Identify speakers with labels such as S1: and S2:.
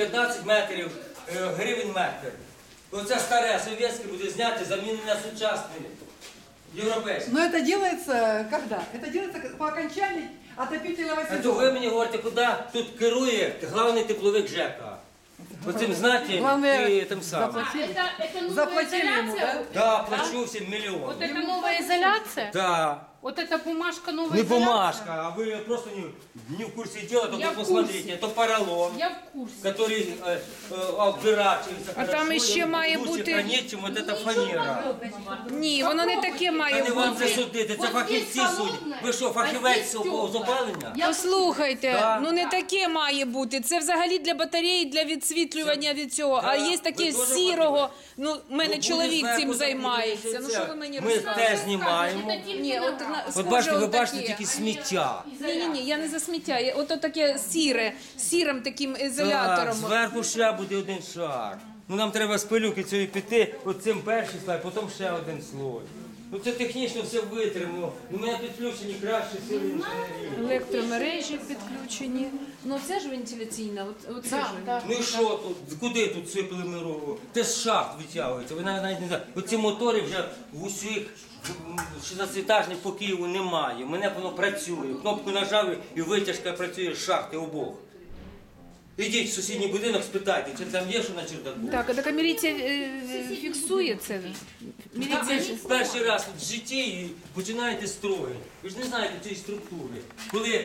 S1: 15 метрів гривень метр. Оце старе совєтське буде знято, замінене на сучасне європейське.
S2: Но это делается когда? Это делается по окончании отопительного
S1: А то
S2: сезона.
S1: ви мені говорите, куди тут керує главний тепловик ЖЕКа. Оцим знаєте,
S2: Главное,
S1: і тим самим.
S2: заплатили.
S3: Это новая
S2: Заплатили ему,
S3: изоляция?
S2: да?
S1: Да, плачу всім
S3: Вот
S1: мільйон.
S3: это новая изоляция?
S1: Да.
S3: Вот эта бумажка новая
S1: Не
S3: изоляция?
S1: бумажка, а вы просто не в курсе дела, только
S3: Я в
S1: посмотрите,
S3: курсе.
S1: это поролон,
S3: Я в курсе.
S1: который обдирачивается
S4: А там
S1: хорошо,
S4: ще
S1: и
S4: має
S1: лучше
S4: бути-
S1: хранить, чем вот эта фанера.
S4: Ні, воно не таке
S1: А
S4: має
S1: не вам
S4: бути.
S1: це судити, це
S3: От
S1: фахівці
S3: є
S1: судять.
S3: холодне,
S1: Ви що,
S3: а
S1: фахівець з
S3: є тепле.
S1: опалення?
S4: Послухайте,
S1: Да.
S4: ну не таке має бути. Це взагалі для батареї, для відсвітлювання від цього. А
S1: Да.
S4: є таке
S1: Ви дуже
S4: сірого. Ну, в мене
S1: Ну,
S4: чоловік
S1: буде
S4: цим
S1: зверху
S4: займається.
S1: таке,
S4: Ну що ви мені
S1: Ми
S4: розказуєте?
S1: те знімаємо.
S4: Ні, от
S1: От
S4: схоже
S1: бачите, ви
S4: отаке.
S1: бачите тільки сміття.
S4: Ні, я не за сміття. Ото таке сіре, сірим таким
S1: Так,
S4: ізолятором.
S1: зверху ще буде один шар. Ну нам треба з пилюки цієї піти, оцим перший слой, потім ще один слой. Ну це технічно все витримано. У мене підключені кращі сили інженерії.
S4: Електромережі підключені. Ну це ж вентиляційна. Оце ж.
S1: Ну і що тут? Куди тут сипали мирову? Це з шахт витягується. Ви навіть не знаєте. Оці мотори вже в усіх 16-етажних по Києву немає. У мене воно працює. Кнопку нажав і витяжка працює з шахти обох. Ідіть в сусідній будинок, спитайте, чи там є що на чердаку.
S4: Так, а така міліція фіксує це?
S1: А ви ж перший раз в житті і починаєте строїти. Ви ж не знаєте цієї структури. Коли